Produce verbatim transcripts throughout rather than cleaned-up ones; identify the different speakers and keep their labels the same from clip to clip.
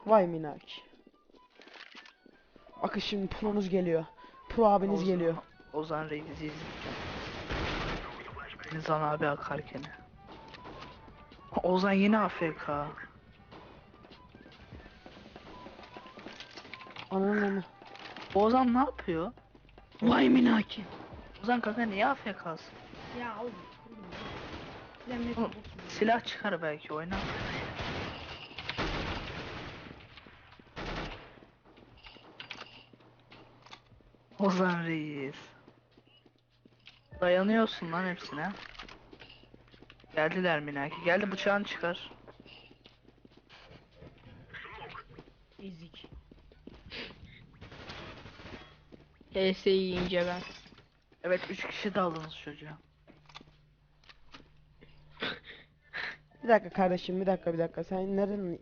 Speaker 1: Vay minak. Bakın şimdi pronuz geliyor. Pro abiniz
Speaker 2: Ozan-
Speaker 1: geliyor.
Speaker 2: Ozan Reis'i izlerken. Nizan abi akarken. Ozan yine A F K.
Speaker 1: Ananın onu.
Speaker 2: Ozan ne yapıyor?
Speaker 3: Vay minaki.
Speaker 2: Ozan kanka niye A F K'sın?
Speaker 3: Ya oğlum. Oğlum.
Speaker 2: Oğlum, silah çıkar belki oyna. Ozan Reis. Dayanıyorsun lan hepsine. Geldiler Minaki. Geldi bıçağını çıkar.
Speaker 3: Ezik. H S yiyince ben.
Speaker 2: Evet üç kişi de aldınız çocuğa.
Speaker 1: Bir dakika kardeşim, bir dakika bir dakika. Sen nereden?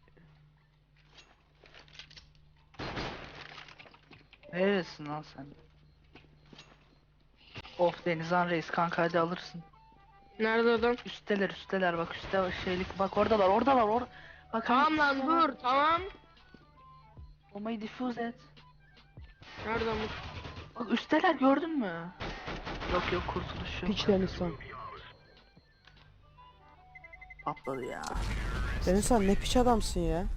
Speaker 2: Neresin lan sen? Of Denizhan Reis kanka hadi alırsın.
Speaker 3: Nerede adam?
Speaker 2: Üsteler üsteler bak üstte şeylik bak oradalar oradalar or. Bak
Speaker 3: Tamam lan dur tamam.
Speaker 2: Bombayı diffuse et.
Speaker 3: Nerede bu?
Speaker 2: Bak üsteler gördün mü? Yok yok kurtuluş yok.
Speaker 1: Piç Denizhan.
Speaker 2: Patladı ya.
Speaker 1: Denizhan ne piç adamsın ya.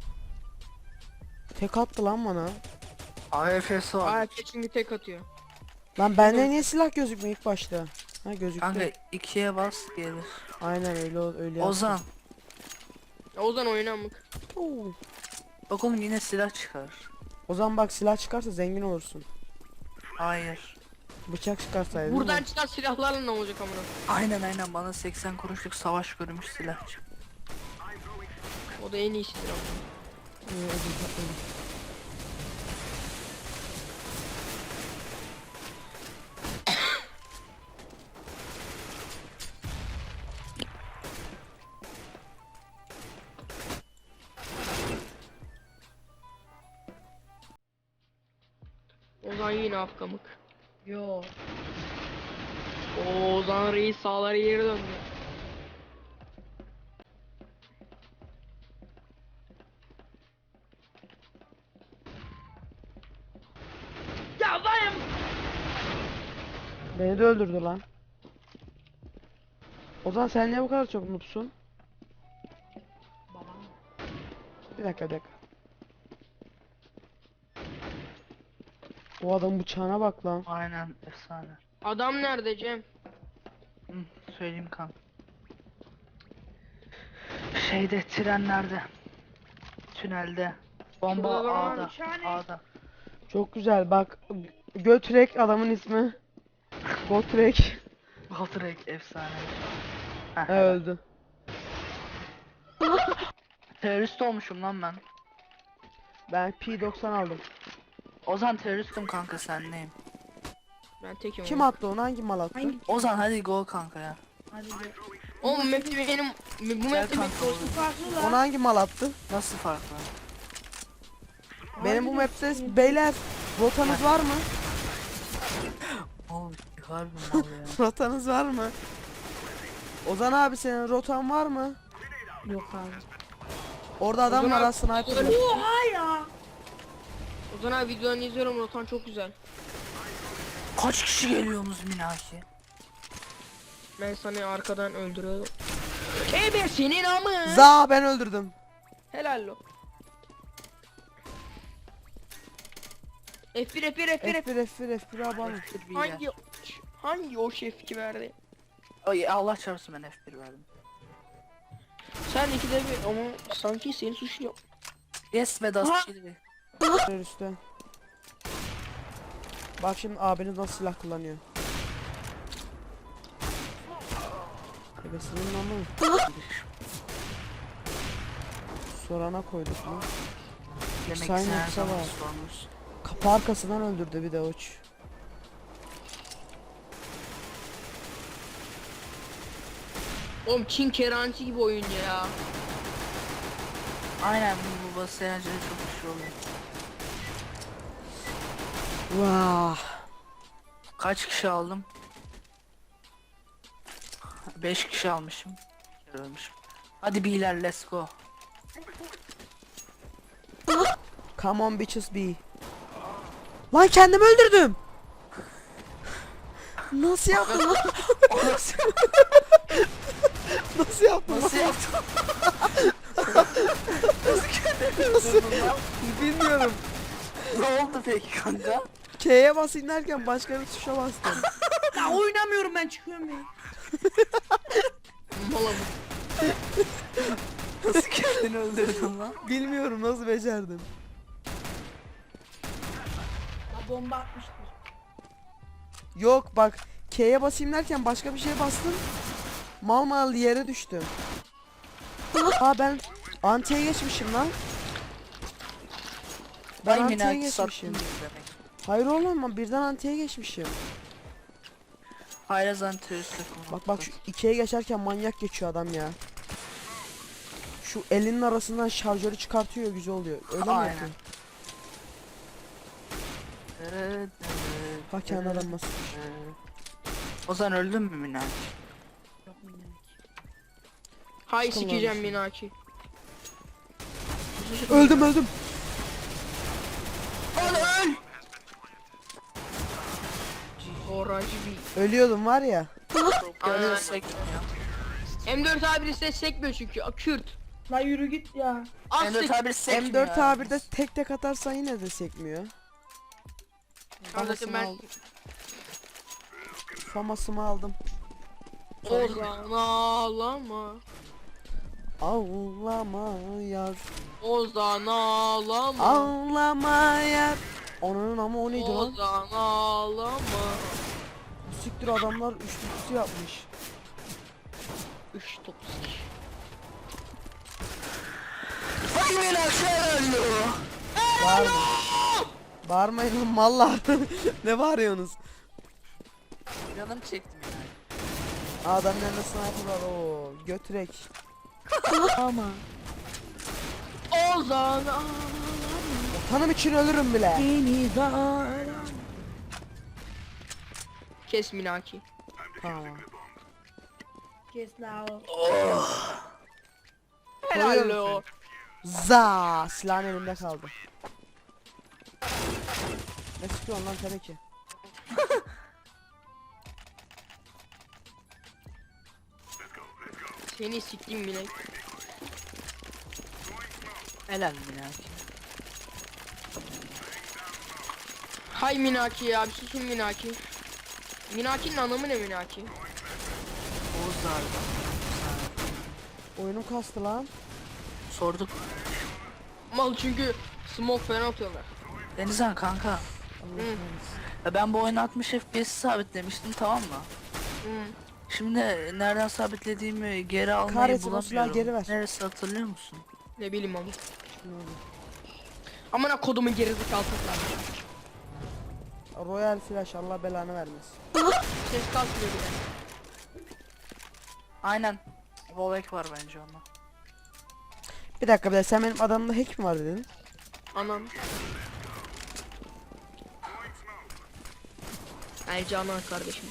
Speaker 1: Tek attı lan bana.
Speaker 2: A F S var.
Speaker 3: Aa çünkü tek atıyor.
Speaker 1: Lan bende niye silah gözükmüyor ilk başta? Ha gözüktü.
Speaker 2: Kanka ikiye bas gelir.
Speaker 1: Aynen öyle ol- öyle yaptım.
Speaker 2: Ozan.
Speaker 3: Ya Ozan oynamık.
Speaker 1: Oo.
Speaker 2: Bak oğlum yine silah çıkar.
Speaker 1: Ozan bak silah çıkarsa zengin olursun.
Speaker 2: Hayır.
Speaker 1: Bıçak çıkarsaydın.
Speaker 3: Buradan çıkan silahlarla ne olacak amına?
Speaker 2: Aynen aynen bana seksen kuruşluk savaş görmüş silah çık.
Speaker 3: O da en iyisidir ama.
Speaker 1: Ee, ödüm patladı.
Speaker 3: Ozan yine afkamık. Yo. Oo, Ozan Reis sağları geri döndü. Ya vay.
Speaker 1: Beni de öldürdü lan. Ozan sen niye bu kadar çok noobsun? Bir dakika bir dakika. O adam bıçağına bak lan.
Speaker 2: Aynen efsane.
Speaker 3: Adam nerede Cem?
Speaker 2: Hı, söyleyeyim kan. Şeyde trenlerde. Tünelde. Bomba
Speaker 3: Şurada da var,
Speaker 2: A'da.
Speaker 3: nişane.
Speaker 2: A'da.
Speaker 1: Çok güzel bak. Götrek adamın ismi. Gotrek.
Speaker 2: Valtrek efsane. Heh,
Speaker 1: He öldü.
Speaker 2: Terörist olmuşum lan ben.
Speaker 1: Ben P doksan aldım.
Speaker 2: Ozan teröristim kanka sen neyim?
Speaker 3: Ben tekim.
Speaker 1: Kim
Speaker 3: oğlum.
Speaker 1: attı onu? Hangi mal attı?
Speaker 3: Hangi?
Speaker 2: Ozan hadi go kanka ya.
Speaker 3: Oğlum map'te benim bu
Speaker 2: Gel
Speaker 3: map'te
Speaker 2: kanka
Speaker 3: benim
Speaker 2: oğlum.
Speaker 3: farklı
Speaker 1: Onu hangi mal attı?
Speaker 2: Nasıl farklı?
Speaker 1: Benim bu map'te beyler rotanız var mı?
Speaker 2: Oğlum harbi mal ya.
Speaker 1: Rotanız var mı? Ozan abi senin rotan var mı?
Speaker 3: Yok abi.
Speaker 1: Orada adam
Speaker 3: Ozan
Speaker 1: var
Speaker 3: abi-
Speaker 1: ha sniper. var.
Speaker 3: Oha ya. Ozan abi videolarını izliyorum, rotan çok güzel.
Speaker 2: Kaç kişi geliyorsunuz Minaki?
Speaker 3: Ben sana arkadan öldürüyorum. Ebe senin amı.
Speaker 1: Za ben öldürdüm.
Speaker 3: Helal lo. F bir F bir F bir F bir.
Speaker 1: F bir F bir F bir abanın.
Speaker 3: Hangi hangi o şef ki verdi?
Speaker 2: Ay Allah çarpsın ben F bir verdim.
Speaker 3: Sen ikide bir ama sanki seni suçluyor.
Speaker 2: Yes ve das
Speaker 3: Aha.
Speaker 2: çilvi.
Speaker 1: Üstte. Bak şimdi abiniz nasıl silah kullanıyor. Ebesinin namı. Sorana koyduk mu?
Speaker 2: Demek
Speaker 1: Sayın
Speaker 2: ki her
Speaker 1: yoksa
Speaker 2: zaman
Speaker 1: var.
Speaker 2: sormuş.
Speaker 1: Kapı arkasından öldürdü bir de uç.
Speaker 3: Oğlum Çin keranti gibi oyun ya.
Speaker 2: Aynen bu baba seyahatleri çok güçlü oluyor.
Speaker 1: Vah.
Speaker 2: Kaç kişi aldım? beş kişi almışım. Bir kere ölmüşüm. Hadi beyler let's go.
Speaker 1: Come on bitches be. Lan kendimi öldürdüm. Nasıl yaptın lan?
Speaker 2: Nasıl,
Speaker 1: Nasıl yaptın lan?
Speaker 2: nasıl yaptın? Nasıl kendini öldürdün lan?
Speaker 1: Bilmiyorum.
Speaker 2: Ne oldu peki kanka?
Speaker 1: K'ye basayım derken başka bir tuşa bastım.
Speaker 4: Ya oynamıyorum ben çıkıyorum ya.
Speaker 3: Malamık.
Speaker 2: Nasıl kendini öldürdün lan?
Speaker 1: Bilmiyorum nasıl becerdim.
Speaker 4: Ya bomba atmıştır.
Speaker 1: Yok bak K'ye basayım derken başka bir şeye bastım. Mal mal yere düştüm. Aa ben antiye geçmişim lan. Ben
Speaker 2: Ay
Speaker 1: antiye
Speaker 2: minaki
Speaker 1: geçmişim.
Speaker 2: sattın demek.
Speaker 1: Hayır oğlum ben birden antiye geçmişim.
Speaker 2: Hayrazan terörist
Speaker 1: Bak bak şu ikiye geçerken manyak geçiyor adam ya. Şu elinin arasından şarjörü çıkartıyor güzel oluyor. Öyle mi
Speaker 2: Aynen.
Speaker 1: yapıyor?
Speaker 2: Evet,
Speaker 1: Ha kendi adam nasıl?
Speaker 2: Ozan öldün mü minaki?
Speaker 4: Yok minik.
Speaker 3: Hay
Speaker 1: Çıkın lan
Speaker 3: sikeceğim
Speaker 1: dışarı.
Speaker 3: Minaki.
Speaker 1: Öldüm öldüm.
Speaker 2: Lan öl!
Speaker 3: Oracı bir.
Speaker 1: Ölüyordum var ya.
Speaker 2: Gönül sekmiyor.
Speaker 3: M dört A bir ses sekmiyor çünkü. A, Kürt.
Speaker 4: La yürü git ya.
Speaker 3: Az
Speaker 2: M dört
Speaker 3: sek.
Speaker 2: A bir sekmiyor.
Speaker 1: M dört A bir'de tek tek atarsan yine de sekmiyor.
Speaker 3: Kardeşim ben
Speaker 1: Famasımı aldım.
Speaker 3: Ozan ağlama.
Speaker 1: Ağlama yar.
Speaker 3: Ozan ağlama.
Speaker 1: Ağlama yar. Onun ama o neydi lan?
Speaker 3: Ozan ağlama.
Speaker 1: Siktir adamlar üçlü kutu yapmış.
Speaker 3: Üç toksik.
Speaker 2: Ay minaki ölüyor.
Speaker 1: Bağırma. Bağırmayın lan mallar. Ne bağırıyorsunuz?
Speaker 2: Canım çekti minaki.
Speaker 1: Adamın elinde sniper var o götürek. Ama
Speaker 3: Ozan ağlama.
Speaker 1: tanım için ölürüm bile.
Speaker 3: Kes Minaki.
Speaker 1: Tamam.
Speaker 4: Kes la o.
Speaker 3: Helal
Speaker 1: Koyuyorum
Speaker 3: o.
Speaker 1: Za silahın elimde kaldı. Ne sıkıyorsun lan tabii ki.
Speaker 3: Seni siktim Minak.
Speaker 2: Helal minaki.
Speaker 3: Hay Minaki ya bir susun Minaki. Minaki'nin anlamı ne Minaki?
Speaker 2: Oğuz darda.
Speaker 1: Oyunum kastı lan.
Speaker 2: Sorduk.
Speaker 3: Mal çünkü smoke falan atıyorlar.
Speaker 2: Denizhan kanka.
Speaker 1: Allah
Speaker 3: Hı.
Speaker 1: kahretsin.
Speaker 2: Ya ben bu oyunu altmış F P S sabitlemiştim, tamam mı?
Speaker 3: Hı.
Speaker 2: Şimdi nereden sabitlediğimi geri almayı
Speaker 1: Kahretsin, o silahı
Speaker 2: bulamıyorum.
Speaker 1: geri ver.
Speaker 2: Neresi hatırlıyor musun?
Speaker 3: Ne bileyim ama.
Speaker 1: Ne oldu?
Speaker 3: Amına kodumun gerizekalı kızlar.
Speaker 1: Royal Flash Allah belanı vermesin.
Speaker 3: Ses kalkmıyor bile.
Speaker 2: Aynen. Volek var bence onda.
Speaker 1: Bir dakika bir dakika sen benim adamda hack mi var dedin?
Speaker 3: Anam. Ay Canan kardeşim.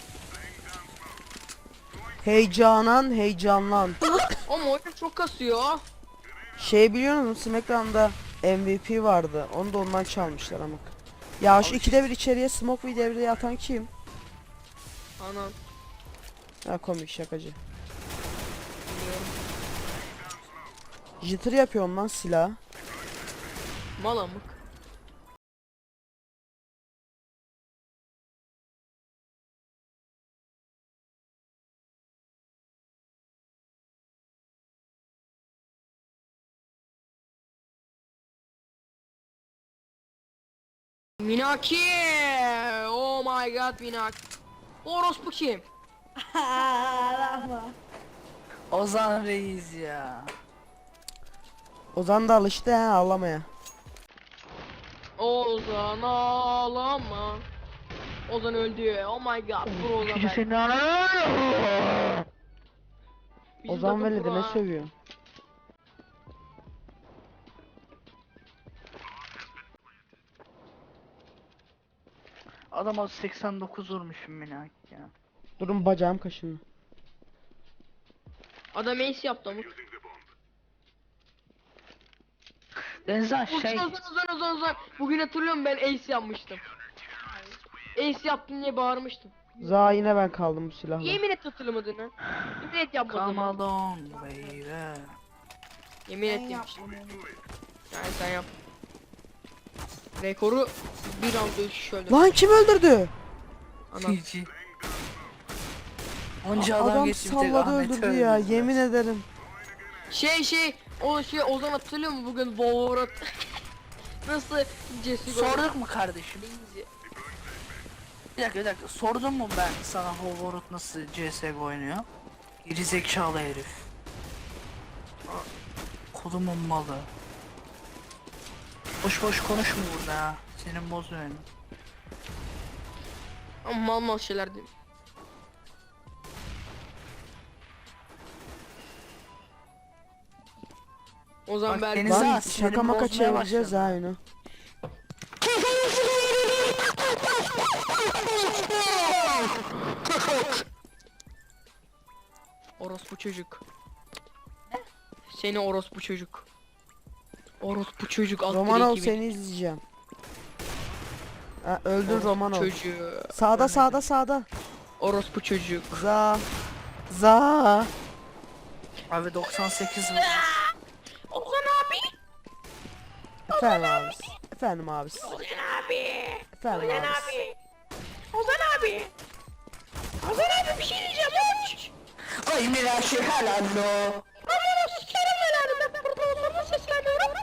Speaker 1: Heyecanan heyecanlan.
Speaker 3: Ama oyun çok kasıyor.
Speaker 1: Şey biliyor musun Smackdown'da M V P vardı. Onu da ondan çalmışlar ama. Ya şu ikide bir içeriye smoke ve devreye atan kim?
Speaker 3: Anam.
Speaker 1: Ha komik şakacı.
Speaker 3: Biliyorum.
Speaker 1: Jitter yapıyorum lan silah.
Speaker 3: Malamık. Minaki! Oh my god Minaki. Orospu kim?
Speaker 4: Ağlama.
Speaker 2: Ozan Reis ya.
Speaker 1: Ozan da alıştı ha ağlamaya.
Speaker 3: Ozan ağlama. Ozan öldü. Oh my god. Vur Ozan.
Speaker 2: Çünkü
Speaker 3: ben.
Speaker 2: senin anan.
Speaker 3: Bizim
Speaker 1: Ozan
Speaker 3: takım
Speaker 1: Veli de
Speaker 3: pro
Speaker 1: ne
Speaker 3: ha.
Speaker 1: sövüyor?
Speaker 2: Adama seksen dokuz vurmuşum minaki ya.
Speaker 1: Durun bacağım kaşındı.
Speaker 3: Adam ace yaptı amık.
Speaker 2: Denizhan
Speaker 3: Uzun
Speaker 2: şey.
Speaker 3: uzun uzun uzun uzun. Bugün hatırlıyorum ben ace yapmıştım. Ace yaptın diye bağırmıştım.
Speaker 1: Za yine ben kaldım bu silahla.
Speaker 3: Yemin et hatırlamadığını. Yemin et yapmadığını.
Speaker 2: Come along baby.
Speaker 3: Yemin
Speaker 4: Ben
Speaker 3: et demiştim.
Speaker 4: yapmadım.
Speaker 3: Yani sen yap. Rekoru bir anda şöyle.
Speaker 1: Lan kim öldürdü?
Speaker 3: Anam.
Speaker 2: G G. Onca adam,
Speaker 1: Adam
Speaker 2: geçti bir tek
Speaker 1: salladı
Speaker 2: Ahmet'i
Speaker 1: öldürdü ya,
Speaker 2: öldürdüler.
Speaker 1: yemin ederim.
Speaker 3: Şey şey o şey Ozan hatırlıyor mu bugün Wolverot nasıl Jesse
Speaker 2: Sorduk mu kardeşim? Bir dakika bir dakika sordum mu ben sana Hoverot nasıl C S G O oynuyor? Geri zekalı herif. Kolumun malı. Boş boş konuşma burada ha. Senin bozuyor beni.
Speaker 3: Ama mal mal şeyler değil. O zaman
Speaker 2: Bak,
Speaker 3: belki
Speaker 2: Deniz-
Speaker 1: Lan
Speaker 2: Za,
Speaker 1: şaka
Speaker 2: sinirim
Speaker 1: maka
Speaker 2: bozmaya
Speaker 1: çevireceğiz
Speaker 2: başladı.
Speaker 1: ha oyunu.
Speaker 3: orospu çocuk. Seni orospu çocuk. Orospu çocuk alt
Speaker 1: Romanov
Speaker 3: direkt gibi.
Speaker 1: seni izleyeceğim. Ha, öldür
Speaker 3: Orospu
Speaker 1: Romanov.
Speaker 3: çocuğu.
Speaker 1: Sağda sağda sağda.
Speaker 3: Orospu çocuk.
Speaker 1: Za. Za.
Speaker 2: Abi doksan sekiz vurmuş.
Speaker 3: Ozan abi.
Speaker 1: Efendim abis. Efendim abis.
Speaker 3: Ozan abi.
Speaker 1: Efendim
Speaker 3: Ozan
Speaker 1: abis.
Speaker 3: abi. Ozan abi. Ozan abi bir şey diyeceğim uç.
Speaker 2: Ay Miraş'ı helal lo.
Speaker 3: Aman o sikerim belanı ben burada Ozan'a sesleniyorum.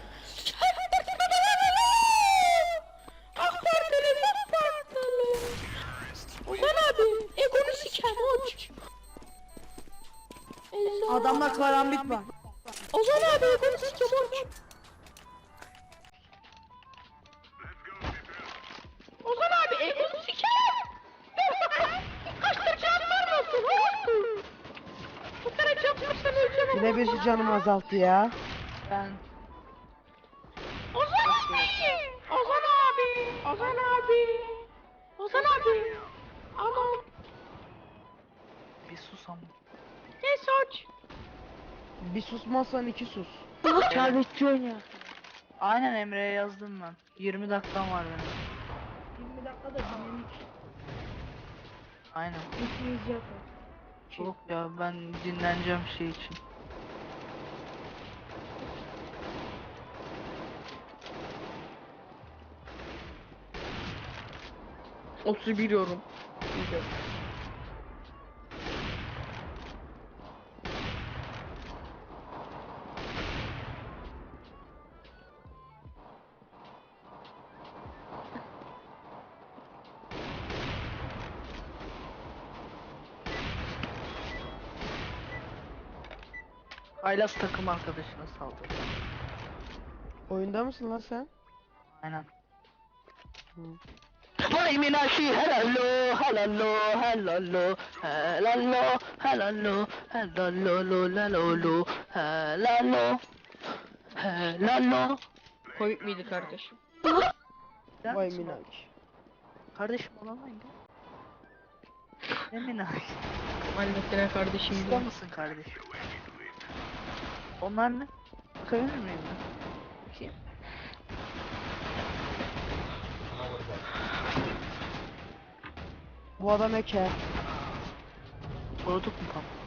Speaker 3: AK Partili AK Partili. Ozan abi egonu sikerim uç.
Speaker 4: Adamda karambit var.
Speaker 3: Ozan abi egonu sikerim uç. Ozan abi egonu sikerim. Kaç tane canın var mı olsun? Bu tane can varsa öleceğim.
Speaker 1: Bir de bir canımı azalttı ya.
Speaker 2: Ben
Speaker 3: Ozan abi! Ozan abi! Ozan abi! Ozan abi! Aman!
Speaker 2: bir sus ama.
Speaker 3: Ne saç?
Speaker 1: Bir susmazsan iki sus.
Speaker 3: Şerbetçi oynuyor.
Speaker 2: Aynen Emre'ye yazdım ben. yirmi dakikam var benim.
Speaker 4: yirmi dakikada dinlemiş.
Speaker 2: Aynen.
Speaker 4: İkimiz yapar.
Speaker 2: Yok ya ben dinleneceğim şey için.
Speaker 3: otuz bir yorum.
Speaker 2: Haylaz takım arkadaşına saldırdı.
Speaker 1: Oyunda mısın lan sen?
Speaker 2: Aynen.
Speaker 1: Hı.
Speaker 2: Vay minaşi helallo helallo helallo helallo helallo helallo lo lalolo helallo helallo.
Speaker 3: Komik miydi kardeşim?
Speaker 2: Der
Speaker 1: Vay
Speaker 2: misin
Speaker 1: minak.
Speaker 2: bana? Kardeşim olamayın ya. Ne minaş?
Speaker 3: Halletine kardeşim
Speaker 2: Usta
Speaker 3: diyor.
Speaker 2: mısın kardeşim? Onlar ne? Bakabilir miyim ben? Bakayım.
Speaker 1: Bu adam eker.
Speaker 2: Sorduk mu tam?